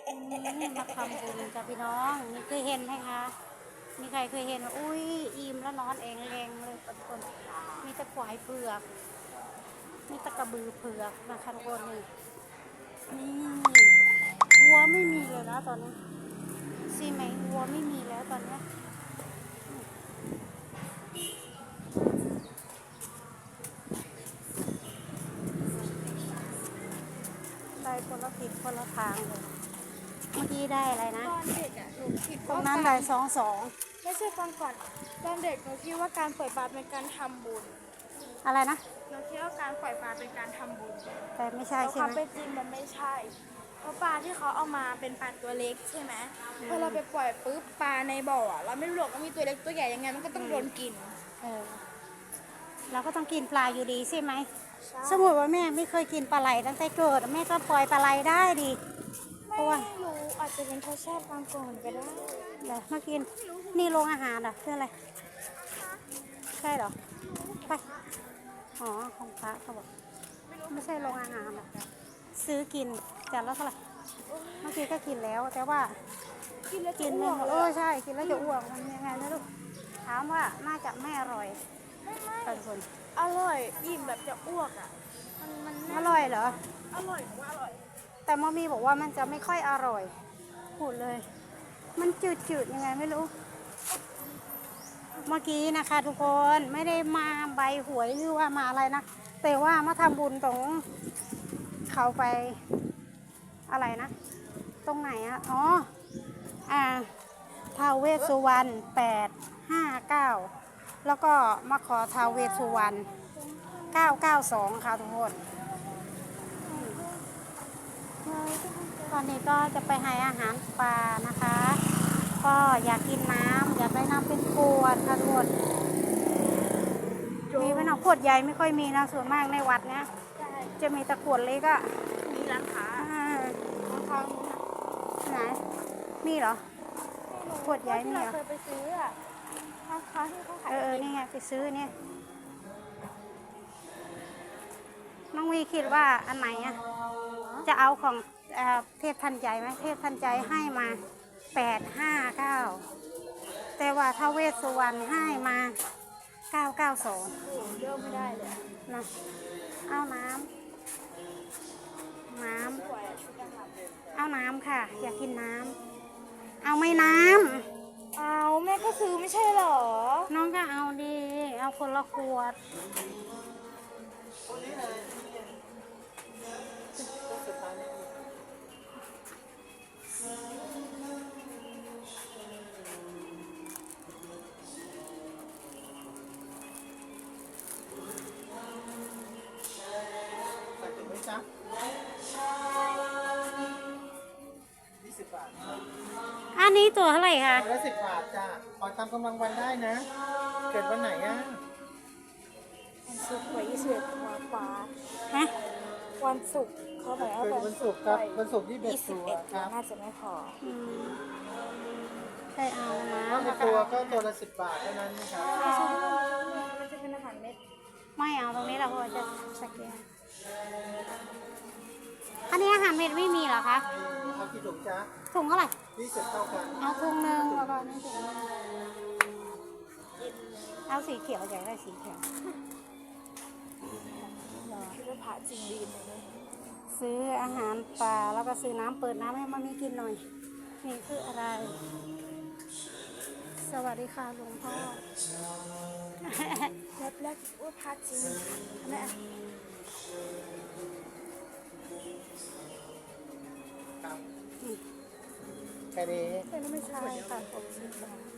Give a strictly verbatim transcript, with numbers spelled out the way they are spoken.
มาทำบุญกับพี่น้องนี่เคยเห็นไหมคะมีใครเคยเห็นว่าอุ้ยอิ่มแล้วนอนเองแรงเลยทุกคนมีตะควายเผือกมีตะกระบือเผือกนะคะทุกคนนี่นี่วัวไม่มีเลยนะตอนนี้ซีไหมวัวไม่มีแล้วตอนนี้ได้คนละทิศคนละทางเลยเมื่อกี้ได้อะไรนะตอนเด็กอ่ะหนูคิดตรงว่านั้นได้สองสองไม่ใช่ตอนก่อนตอนเด็กหนูคิดว่าการปล่อยปลาเป็นการทำบุญอะไรนะหนูคิดว่าการปล่อยปลาเป็นการทำบุญแต่ไม่ใช่แต่ใช่ความไหมเป็นจริงมันไม่ใช่เพราะปลาที่เขาเอามาเป็นปลาตัวเล็กใช่ไหมพอเราไปปล่อยปุ๊บปลาในบ่ออะเราไม่รู้หรอกว่ามีตัวเล็กตัวใหญ่ยังไงมันก็ต้องโดนกินเออเราก็ต้องกินปลาอยู่ดีใช่ไหมใช่สมมติว่าแม่ไม่เคยกินปลาไหลตั้งแต่เกิดแม่ก็ปล่อยปลาไหลได้ดิเพไม่ราะว่ารู้อาจจะเป็นเพราะชาติบางก่อนก็ได้เดี๋ยวมากินนี่โรงอาหารเหรอคืออะไรใช่เหรอไปอ๋อของพระเขาบอกไม่ใช่โรงอาหารหรอกซื้อกินจานละเท่าไหร่เมื่อกี้ก็กินแล้วแต่ว่ากินแล้วกิจะนอ้ไม่วกหมดเลเออย ใช่กินแล้วจะอ้วกมันยังไงนะลูกถามว่าน่าจะไม่อร่อยไม่ไม่บางคนอร่อยอิ่มแบบจะอ้วกอ่ะมันมันอแน่นร่อยเหรออร่อยว่าอร่อยแต่มอมีบอกว่ามันจะไม่ค่อยอร่อยพูดเลย มันจืดๆยังไงไม่รู้ เมื่อกี้นะคะทุกคนไม่ได้มาใบหวยหรือว่ามาอะไรนะ แต่ว่ามาทำบุญตรงเขาไปอะไรนะ ตรงไหนอะอ๋ออ่าท้าวเวสสุวรรณแปดห้าเก้าแล้วก็มาขอท้าวเวสสุวรรณเก้าเก้าสองค่ะทุกคน ตอนนี้ก็จะไปให้อาหารปลานะคะ ก็อยากกินน้ำอยากได้น้ำเป็นขวดค่ะทุกคนมีไหมนะขวดใหญ่ไม่ค่อยมีนะส่วนมากในวัดเนี้ยใช่จะมีแตะขวดเล็กอะมีร้านค้าอ่าร้านค้านู้นนะไหนมีเหรอ ขวดใหญ่มีที่เหรเราอเคยไปซื้ออะร้านค้าที่เขาขายเออเออนี่ไงไปซื้อเนี่ยน้องวีคิดว่าอันไหนอะจะเอาของเอ่อเทพทันใจไหมเทพทันใจให้มาแปดห้าเก้าแต่ว่าท้าวเวสสุวรรณให้มาเก้าเก้าสองโอ้โหเลือกไม่ได้เลยอะนะเอาน้ำน้สวยอะชุดอาหารำเอาน้ำค่ะ อยากกินน้ำเอาไหม่น้เอาแม่ก็ซื้อไม่ใช่เหรอำน้องก็เอาดีเอาคนละขวดอันนี้ตัวเท่าไหร่คะวันละสิบบาทจ้ะขอตามกำลังวันได้นะ เกิดวันไหนอ่ะวันศุกร์ไว้ยี่สิบเอ็ดธันวาคมฮะวันศุกร์เขาบอกว่าเกิดวันศุกร์ครับวันศุกร์ยี่สิบเอ็ดยี่สิตับวเอ็ดครับน่าจะไม่พออืมใช่เอานะถ้าเป็แล้นวก็ตัวเอาก็ตัวละสิบบาทเท่านั้นนะครับไม่ใช่ที่มันจะเป็นอาหารเม็ดไม่เอาตรงนี้เราก็จะสแกนอันนี้อาหารเม็ดไม่มีเหรอคะเอากี่ถุงจ๊ะถุงเท่าไหร่ยี่สิบเท่ากันเอาถุงหนึ่งแล้วก็นี่ถุงหนึ่งเอาสีเขียวอยากได้สีเขียวคิดว่าพระจริงดีไหมเนี่ยซื้ออาหารปลาแล้วก็ซื้อน้ำเปิดน้ำให้มันมีกินหน่อย นี่คืออะไร สวัสดีค่ะหลวงพ่อแรกแรกคิดว่าพระจริงแม่ครับแค่นี้แต่ไม่ใช่ค่ะผมซื้อมา